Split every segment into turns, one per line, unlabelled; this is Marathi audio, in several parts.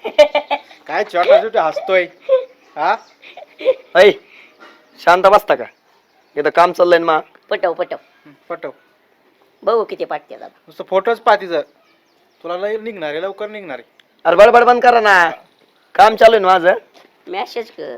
काय छोटा छोटा हसतोय हा
ऐ शांत बसता का इथं काम चाललंय ना
पटव
पटव
बघू किती पाठते दादा.
नुसतं फोटोच पाहतीचं तुला लय निघणार आहे लवकर निघणार आहे.
अरे बडबड बंद करा ना काम चालू आहे ना माझं.
मेसेज कर.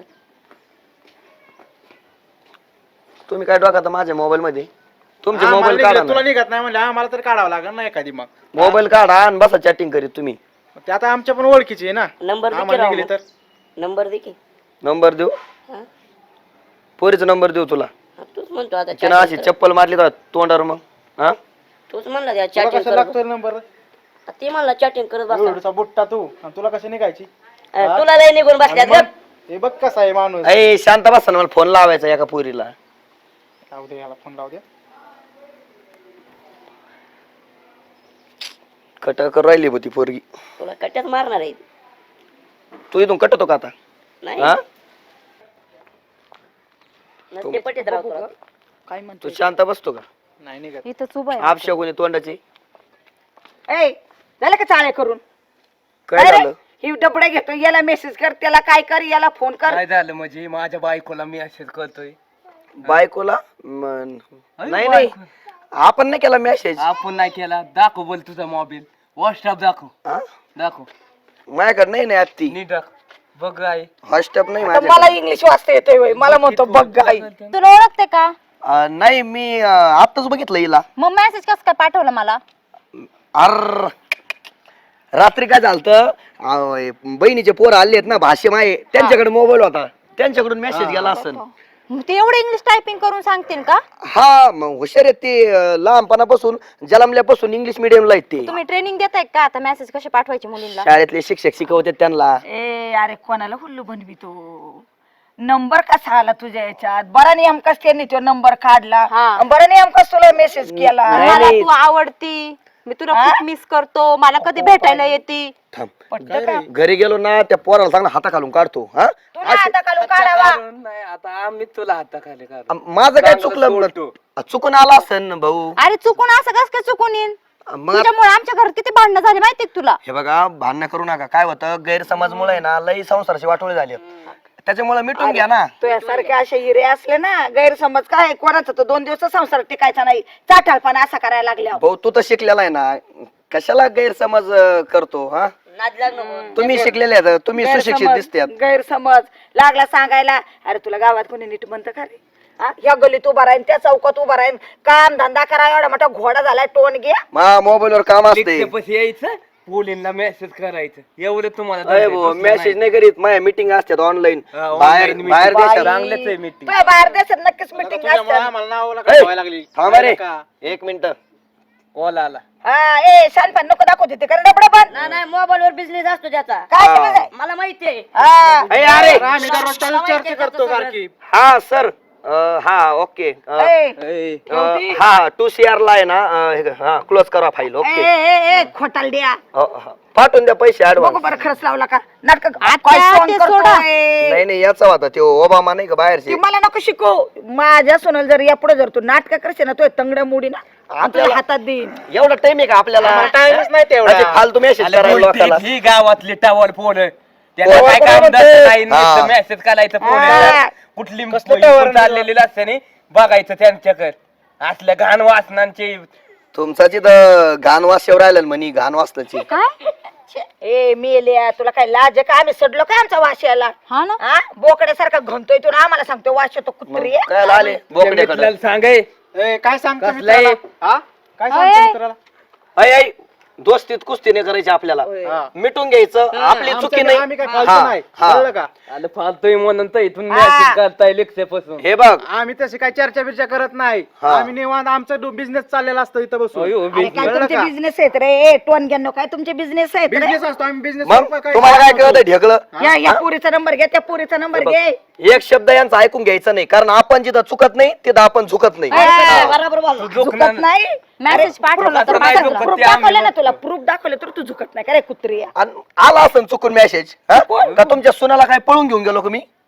तुम्ही काय टाका माझ्या मोबाईल मध्ये तुमचे
आम्हाला
मोबाईल
निघलं,
काढा
तुला
ना.
निघत नाही म्हणजे आम्हाला तर काढावं लागेल ना एखादी मग
मोबाईल काढा आणि बसा चॅटिंग करीत तुम्ही.
ते आता आमच्या पण ओळखीची आहे ना
नंबर दे की
आम्हाला
राव
निघली
मग.
तर
नंबर दे की.
नंबर देऊ
हा?
पोरीचा नंबर देऊ तुला
हा, तूच म्हणतो आता
तिनं अशी
chatting कर.
चप्पल मारली तर तोंडावर मग हा
तूच म्हणला त्या
तुला
चॅटिंग
कशा
कर.
लागतोय नंबर
ते म्हणला चॅटिंग करत बसा.
एवढा बुट्टा तू आणि तुला कशी निघायची
तुला लय निघून बसल्यात
आणि
गप.
मग हे बघ कसा आहे माणूस
ऐ शांत बसा ना मला फोन लावायचा एका पोरीला.
लावू दे याला फोन लावू दे
कट कर राहिली होती पोरगी.
तुला कट्ट्यात मारणार आहे.
तू इथून कटतो का आता
नाही
हा
नसते पटेत राव तुला.
काय
तू
म्हणतो
शांत बसतो का
नाही निघत
इथंच उभा आहे.
आपशा कोणी तोंडाची
ए झालं का चाळे करून
काय
अरे,
झालं
ही डबडे घेतो याला मेसेज कर त्याला काय कर याला फोन कर.
काय झालं म्हणजे माझ्या बायकोला मी असेच करतोय.
बायकोला नाही नाही आपण नाही केला मेसेज
आपण नाही केला. दाखव बोल तुझा मोबाईल व्हॉट्सअप दाखव दाखव.
माझ्याकडे नाही नाही ती
नीट दाखव बघ आहे.
व्हॉट्सअप नाही
आता
माझ्याकडे.
मला इंग्लिश वाचता येतोय होय. मला म्हणतो बघ गाई
तुला ओळखते का?
नाही मी आत्ताच बघितलं हिला.
मग मेसेज कसं काय पाठवलं मला?
अर रात्री काय झालं बहिणीचे पोर आले आहेत ना भाषे माये त्यांच्याकडे मोबाईल होता त्यांच्याकडून मेसेज गेला असेल.
मग ते एवढं इंग्लिश टायपिंग करून सांगतील का?
हा मग हुशार आहेत ते लहानपणापासून जन्मल्यापासून इंग्लिश मिडियमला आहेत ते.
तुम्ही ट्रेनिंग देताय का आता मेसेज कसे पाठवायचे मुलींना?
शाळेतले शिक्षक शिकवते त्यांना.
ए अरे कोणाला हुल्लू बनवितो नंबर कसा आला तुझ्या याच्यात बरा नेमकाच त्यांनी तो नंबर काढला
हा.
आणि बरा नेमकाच तुला मेसेज केला
नाही,
मला
नाही.
तू आवडती, मी तुला खूप मिस करतो, मला कधी भेटायला येते.
थांब
पटलं का?
घरी गेलो ना त्या पोराला चांगला हाता घालून काढतो. हा
तुला आता काढून काढावा
नाही आता आम्ही तुला हाताखाली काढू.
माझं काय
चांगलं
चुकलं
सोडतो.
चुकून आला असेल ना भाऊ.
अरे चुकून असं कस काय चुकून येईन?
मग
तुझ्यामुळे आमच्या घरात किती भांडणं झाली माहितीये का तुला?
हे बघा भांडणं करू नका. काय होतं गैरसमजमुळे आहे ना लई संसाराची वाटोळी झाली त्याच्यामुळे मिटून घ्या ना.
तुझ्यासारखे असे हिरे असले ना गैरसमज काय कोणाचा तो 2 दिवस संसार टिकायचा नाही चाटाळपणा असा करायला लागल्या
भाऊ तू तर शिकलेला आहे ना कशाला गैरसमज करतो. हा
नाद लाग नको.
तुम्ही शिकलेले आहेत तुम्ही सुशिक्षित दिसतात.
गैरसमज लागला सांगायला अरे तुला गावात कोणी नीट म्हणतं का रे हा? या गलीत उभा राहीन त्या चौकात उभा राहीन काम धंदा करा एवढा मोठा घोडा झालाय टोन घ्या
मा मोबाईल वर काम असते.
लिफ्टपाशी यायचं पोलींना मेसेज करायचं एवढं तुम्हाला जमतंय, दुसरं
मेसेज
नाही.
नाही करीत माझ्या मीटिंग असतात ऑनलाईन
हा,
बाहेर
online
बाहेर
meeting.
देशात.
चांगलंच आहे meeting.
तुझ्या बाहेर देशात नक्कीच मिटिंग
तुझ्यामुळे
असते
आम्हाला नावाला
ए,
ठेवायला लागली
थांबा रे
का?
1 मिनिट.
कॉल आला.
हा ए शानपण नको दाखवते ते कारण डबडा पण
नाही मोबाईल वर बिझनेस असतो त्याचा.
काय समज आहे?
मला माहितीये.
हा
अरे
आम्ही दररोज चर्चा करतो सारखी
हा सर हा ओके
ए,
हा 2CR ला आहे ना हा क्लोज करा फाईल.
ए,
ओके
ए, ए, खोटाल द्या
पाठवून द्या पैसे
बघू
ऍडव्हान्स.
बरं खरंच लावला का नाटक
आता
काय सोंग
ते
करतोय?
सोडा.
नाही नाही याचा होता तो ओबामा नाही का
ती
बाहेरचे.
मला नको शिकू माझ्या सोनाला जर या पुढे जर तू नाटक करशील ना तो तंगड्या मुडी ना आपल्याला
आपल्याला-
हातात देईन
एवढा टाइम आहे का आपल्याला?
टाइमच नाही तेवढा
असे फालतू मेसेज
आले
करायला
बोलते,
लोकांना.
ही गावातली टावर फोन त्याला
Tower
काय
कोण
काम
म्हणते?
नाही
हा.
मेसेज करायचं
हा.
फोन कुठली
कसलं tower
चाललेली असते नाही बघायचं त्यांच्याकडे असल्या घाण वासनांचे.
तुमचा तिथं घाण वास येऊ राहिला म्हणी घाण वासनाची.
काय?
ए मेल्या तुला काय लाज आहे का आम्ही सडलो काय आमचा वास यायला
हा ना.
हा बोकड्यासारखा घंतोय तू ना आम्हाला सांगतो वास येतो कुत्री आहे.
काय आले बोकड्याकडे.
मित्राला सांगाय
ए, काय सांगतो
कसलं आहे?
मित्राला? हा? काय
अय.
सांगतो मित्राला?
ऐ दोस्तीत कुस्ती नाही करायची आपल्याला.
हा.
मिटून घ्यायचं आपली चुकी
आमच्या-
नाही.
आम्ही काय फालतू
हा,
नाही
हा.
कळलं का
आलं फालतोय म्हणून तर इथून मेसेज करताय लेक्चरपासून.
हे बघ
आम्ही तशी काय चर्चा बिर्चा करत नाही
हा.
आम्ही निवांत आमचा बिझनेस चाललेला असतो इथं बसून
अयो,
अरे काय
कळलं
तुमचे
का?
बिझनेस आहेत रे ए टोन घ्या काय तुमचे बिझनेस आहेत रे
बिझनेस असतो आम्ही बिझनेस
मग तुम्हाला काय कळत ढेकलं.
या पुरीचा नंबर घ्या त्या पुरीचा नंबर घे
एक शब्द यांचा ऐकून घ्यायचा नाही कारण आपण जिथं चुकत नाही तिथं आपण झुकत नाही.
हा.
बरोबर बोल.
झुकत नाही
मेसेज पाठवला तर
असं नाही
पाठवला.
झुकत.
प्रूफ
ते आम्ही
दाखवलं ना तुला प्रूफ दाखवलं तर तू झुकत नाही का रे कुत्री आहे?
आणि आला असं चुकून मेसेज का तुमच्या सुनाला काय पळून घेऊन गेलो का मी?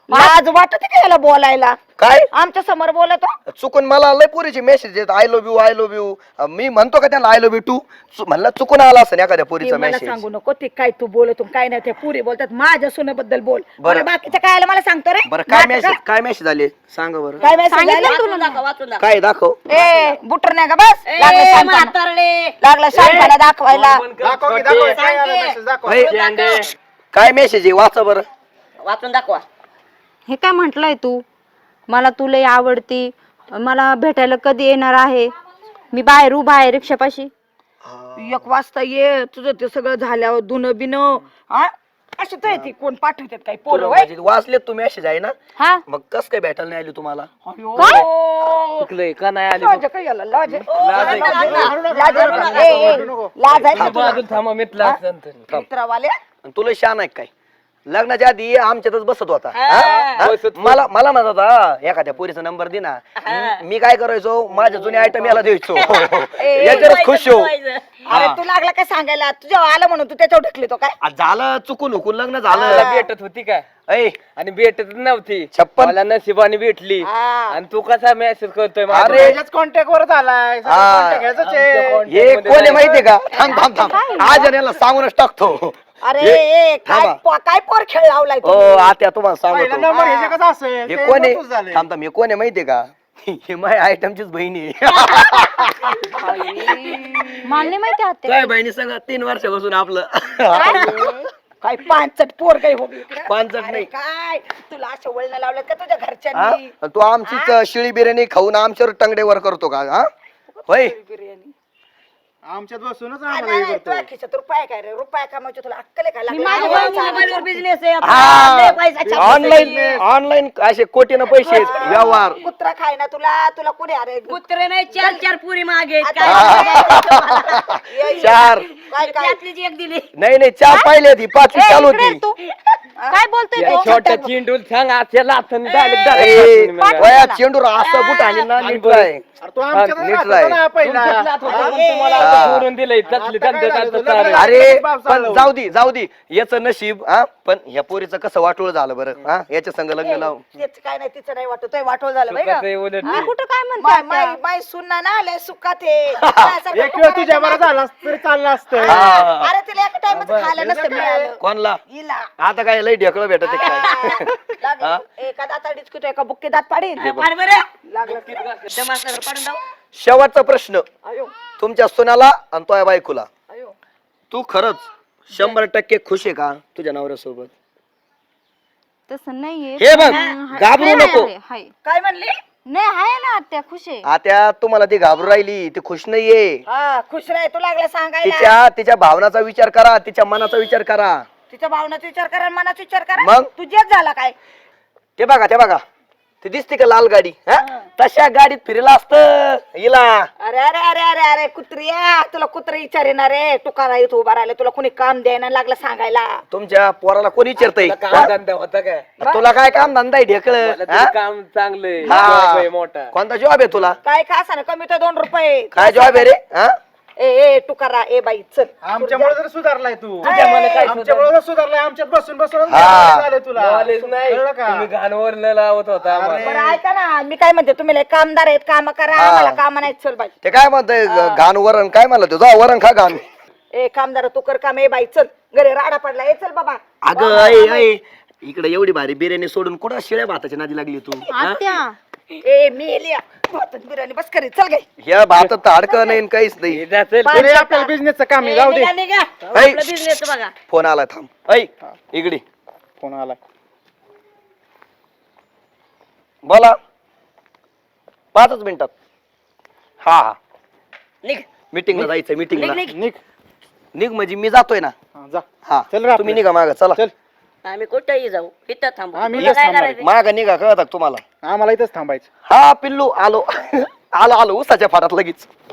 लाज वाटते का याला बोलायला?
काय
आमच्या समोर बोलतो.
चुकून मला लय पोरीचे मेसेज येत आय लव्ह यू मी म्हणतो का त्यांना आय लव्ह यू टू म्हणलं चुकून आला असं एखाद्या
ते
पोरीचा
मला
मेसेज.
सांगू नको ते काय तू बोलतो काय नाही. त्या पुरी बोलतात माझ्या सुनेबद्दल बोल.
बरं.
बरं बाकीचं काय आलं मला सांगतो रे.
बरं काय मेसेज आले सांगा बरं.
काय message
सांगितलं
आला?
तुला दाखव, वाचून दाखव.
काय दाखव.
ए बुटर नाही का बस लागलं
ए,
शांतपणा.
म्हातारडे.
लागलं शांतपणा दाखवायला.
दाखव की, दाखव, काय आलं message, दाखव.
होय. काय मेसेज आहे वाचा बरं.
वाचून दाखवा.
हे काय म्हंटलय तू? मला तू लय आवडती, मला भेटायला कधी येणार आहे? मी बाहेर उभा आहे रिक्षापाशी.
1 वाजता ये तुझं ते सगळं झाल्यावर दुन बिन अशी तर ती कोण पाठवतात काही पोरं
तुला
होय?
म्हणजे वाचलेत तू मेसेज आहे ना
हा
मग कस काय भेटायला नाही आली तुम्हाला.
काय?
चुकलंय का नाही आली
लाज काय याला? लाज आहे?
लाज आहे.
लाज आहे? ए, ए, लाज आहे का तुला?
बाजून थांबा मितला नंतर
मित्रावाले
आणि तुला शान आहे काय लग्नाच्या आधी आमच्यातच बसत होता
हा.
हा?
बसत.
मला म्हणत होता एखाद्या पोरीचा नंबर दे ना. मी काय करायचो माझ्या जुने आयटम याला द्यायचो याच्यावरच खुश हो.
अरे तू लागला काय सांगायला? तुझ्या आलं म्हणून तू त्याच्यावर ढकली तो काय?
झालं चुकून हुकून लग्न
मला
झालं.
भेटत होती काय
ऐ
आणि भेटत नव्हती.
56.
मला नशिबाने भेटली
हा.
आणि तू कसा मेसेज करतोय माझ्या?
अरे
त्याच्याच कॉन्टॅक्ट वर झालाय
हा.
कॉन्टॅक्ट घ्यायचं आहे.
हे कोण आहे माहितीये का थांब थांब थांब आज याला सांगूनच टाकतो.
अरे
हे-
ए, काय
थांबा.
काय पोर खेळ लावलाय
ओ
तू?
आत्या तुम्हाला
पहिला
सांगतो
नंबर ह्याचे कसं असेल
हे
ते
कोण
नकोच झालंय.
आहे थांब थांब हे कोण आहे माहितीये का हे माझ्या आयटमचीच बहिणी आहे.
मला नाही माहिती आत्या.
काय बहिणी सांगा 3 वर्षापासून आपलं
काय पांचट पोर काही हो
पांचट
अरे
नाही.
काय तुला अशा वळण लावलं का तुझ्या
हा?
घरच्यांनी?
तू आमचीच शिळी बिर्याणी खाऊन आमच्यावर टंगडेवर करतो का हा होय
बिर्याणी
आमच्यात बसूनच
नाही,
आम्हाला
नाही,
हे करतो.
तुझ्या खिशात रुपया काय रे? रुपया कमावचे तुला अक्कल आहे का?
मी
लागलं
माझ्या
आवळा
मोबाईलवर
चालायचा.
बिझनेस आहे आता. लय पैसा छापला.
ऑनलाईन असे कोटीनं पैसे आहेत, व्यवहार.
कुत्रा खाय ना तुला तुला कोणी अरे
कुत्रे नाही 4 पुरी मागे आहेत.
आता-
काय
ये, ये.
4
काय काय
त्यातलीच एक दिली.
नाही 4 पाहिले ती 5वी
ए,
चालू
इकडे
होती.
ये तू. काय बोलतोय
या
तू?
छोट्या चिंडूल सांग आजच्या
ए, वया चेंडूर असं बुट आणि ना नीट राह.
अरे तू आमच्यात
नीट
राहत
राह.
होता ना पहिला.
तुम्हाला
हा.
आता सोडून दिलंय
आता
तसली
काय
त्यांचं
झालं?
त्यांचं चालू.
अरे
बाप
पण
चालवलं.
जाऊ दे याचं नशीब हा पण ह्या पोरीचं कसं वाटोळ झालं बरं हा याच्या संग लग्न लाव.
तेच काय नाही तिचं नाही वाटत वाटोळ झालं बाई
कसं आहे उलट
मी कुठं काय म्हणते
माय
आत्या?
माय माय सुनना ना लय सुखात आहे. माझ्यासारखं
एक वेळ तुझ्या बरं झाला असतं तरी चाललं असतं.
हा.
अरे तिला एका टाइमच खायला नसतं मिळालं
कोणला
हिला
आता काय लय ढेकळं भेटत आहे काय.
लागलं. एका दाता डिस्कुट एका बुक्के दात पाडीन
पाड बरं.
लागलं
दमासनगर पाडून जाऊ.
शेवटचा प्रश्न
अयो
तुमच्या सुनाला आणि तुझ्या बायकोला
अयो
तू खरंच 100% खुश आहे का तुझ्या नवऱ्यासोबत.
तसं नाहीये.
हे बघ
हाय,
घाबरू
हाय,
नको.
हाय, हाय.
काय म्हणली?
नाही आहे ना आत्या खुश आहे.
आता तुम्हाला ती घाबरू राहिली ती खुश नाहीये.
हा खुश राह तू लागला सांगायला.
तिच्या भावनाचा विचार करा तिच्या मनाचा विचार करा.
तिच्या भावनाचा विचार करा आणि मनाचा विचार करा.
मग?
तुझ्याच झाला काय?
ते बघा ते दिसते का लाल गाडी हा? तशा गाडीत फिरला असतं हिला.
अरे अरे अरे अरे अरे कुत्रिया तुला कुत्र विचारेना रे तुकारा इथं उभा राहिला तुला कोणी काम द्यायला लागलं सांगायला.
तुमच्या पोराला कोणी विचारतय
काम धंदा होता काय
तुला काय काम धंदा आहे ढेकळ
मला तरी काम चांगलंय
हा.
job आहे मोठा.
कोणता जॉब आहे तुला
काय का असं कमी तर 2 रुपये.
काय जॉब आहे रे हा?
ए ए तुकारा ए बाई चल.
आमच्यामुळे जर सुधारलाय तू
तुझ्यामुळे काय
आमच्यामुळे जर सुधारलाय आमच्यात बसून बसून
हा.
झालं तुला
Knowledge नाही
कळलं का?
तुम्ही घाणवर लावत होता आम्हाला.
बरं ऐका ना मी काय म्हणते तुम्ही लय कामदार आहेत काम करा
हा.
आम्हाला काम नाही चल बाई.
ते काय म्हणतंय घाण वरण काय म्हणलं तुझा वरण खा घाण.
ए कामदार तू कर काम ए बाई चल घरी राडा पडला ए चल बाबा.
अगं ऐ इकडे एवढी भारी बिर्याणी सोडून कुठं शिळ्या भाताची नादी लागली तू हा?
आत्या
ए मी एलिया भातात बिर्याणी बस करी चल गे.
ह्या भातात तर अडकं नाही आणि काहीच नाही.
हे जातील.
अरे आपल्याला बिझनेसचं काम आहे जाऊ दे.
निघा.
ऐ.
आपला बिझनेस बघा.
फोन आला थांब ऐ इकडे
फोन आला
बोला 5 मिनिटात. हा
निघ.
मीटिंगला जायचं मीटिंगला.
निघ.
निघ
निघ म्हणजे मी जातोय ना.
हा, जा
हा
चल रे
तुम्ही निघा माग चला.
चल
आम्ही कुठेही जाऊ इथं थांबू.
आम्ही
तुला
इथंच
काय
थांबणार.
करायचं?
माग निघा कळत तुम्हाला.
आम्हाला इथंच थांबायचं.
हा पिल्लू आलो आलो उसाच्या फाटात लगेच.